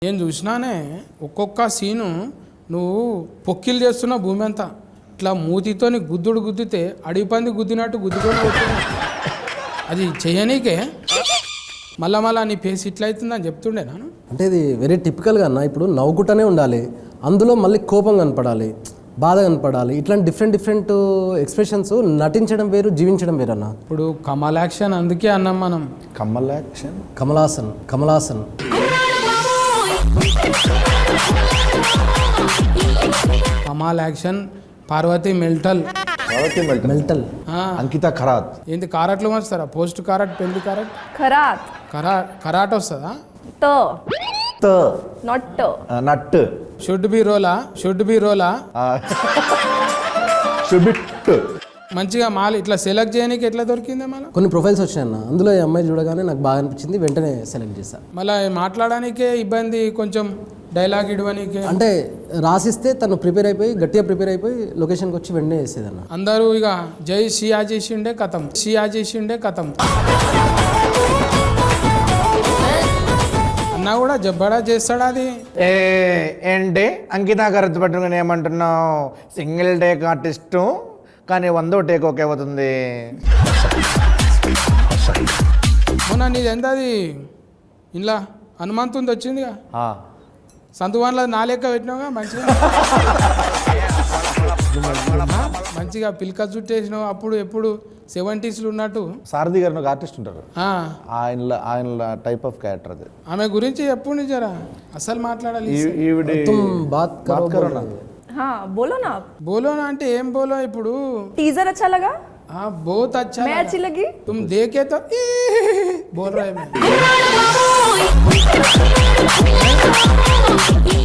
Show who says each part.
Speaker 1: నేను చూసినానే ఒక్కొక్క సీను నువ్వు పొక్కిలు చేస్తున్న భూమి అంతా ఇట్లా మూతితోని గుద్దితే అడిగి పంది గుద్దినట్టు గుద్దుకొని పోతున్నావు. అది చేయనీకే మళ్ళా నీ ఫేస్ ఇట్లా అవుతుందని చెప్తుండే నాను.
Speaker 2: అంటే ఇది వెరీ టిపికల్గా అన్న. ఇప్పుడు నవ్వుకుంటూనే ఉండాలి, అందులో మళ్ళీ కోపం కనపడాలి, బాధ కనపడాలి. ఇట్లాంటి డిఫరెంట్ ఎక్స్ప్రెషన్స్ నటించడం వేరు, జీవించడం వేరు అన్న.
Speaker 1: ఇప్పుడు కమల్ యాక్షన్ అందుకే అన్నాం మనం.
Speaker 3: కమల్ యాక్షన్,
Speaker 2: కమలాసన్
Speaker 1: కమాల్ యాక్షన్, పార్వతి మెల్టల్,
Speaker 3: అంకిత ఖరాత్.
Speaker 1: ఏంటి కారట్లు వస్తారా? పోస్ట్ కారట్, పెళ్లి కారట్, కరాట్ వస్తుందా?
Speaker 3: నట్
Speaker 1: షుడ్ బి రోలా మంచిగా మాల్ ఇట్లా సెలెక్ట్ చేయడానికి ఎట్లా దొరికిందే మళ్ళీ?
Speaker 2: కొన్ని ప్రొఫైల్స్ వచ్చాయన్న, అందులో ఈ అమ్మాయి చూడగానే నాకు బాగా అనిపించింది, వెంటనే సెలెక్ట్ చేశాను.
Speaker 1: మళ్ళీ మాట్లాడడానికే ఇబ్బంది, కొంచెం డైలాగ్ ఇవ్వడానికి.
Speaker 2: అంటే రాసిస్తే తను గట్టిగా ప్రిపేర్ అయిపోయి లొకేషన్కి వచ్చి వెంటనే వేసేదన్న.
Speaker 1: అందరూ ఇక జై షియా చేసిండే కథం అన్నా కూడా జబ్బడా చేస్తాడా అది?
Speaker 3: ఏంటి అంకిత ఖరాత్ పట్టుకుని ఏమంటున్నావు? సింగిల్ టేక్ ఆర్టిస్టు కానీ 100వ టేక్ ఓకే అవుతుంది.
Speaker 1: మొన్న నీది ఎంత అది ఇలా హనుమంతుంది వచ్చిందిగా, సంతువాన్లో నా లెక్క పెట్టినావుగా మంచిగా పిల్క చుట్టేసినావు. అప్పుడు ఎప్పుడు 70s ఉన్నట్టు.
Speaker 3: సారథి గారు ఒక ఆర్టిస్ట్ ఉంటారు, ఆయన టైప్ ఆఫ్ క్యారెక్టర్ అది.
Speaker 1: ఆమె గురించి ఎప్పుడు జరా అసలు మాట్లాడాలి.
Speaker 4: बोलो ना आप।
Speaker 1: बोलो ना అంటే ఏం బోలో? ఇప్పుడు
Speaker 4: टीजर अच्छा लगा?
Speaker 1: हाँ बहुत अच्छा,
Speaker 4: मैं अच्छी लगी?
Speaker 1: तुम देखे तो बोल रहे मैं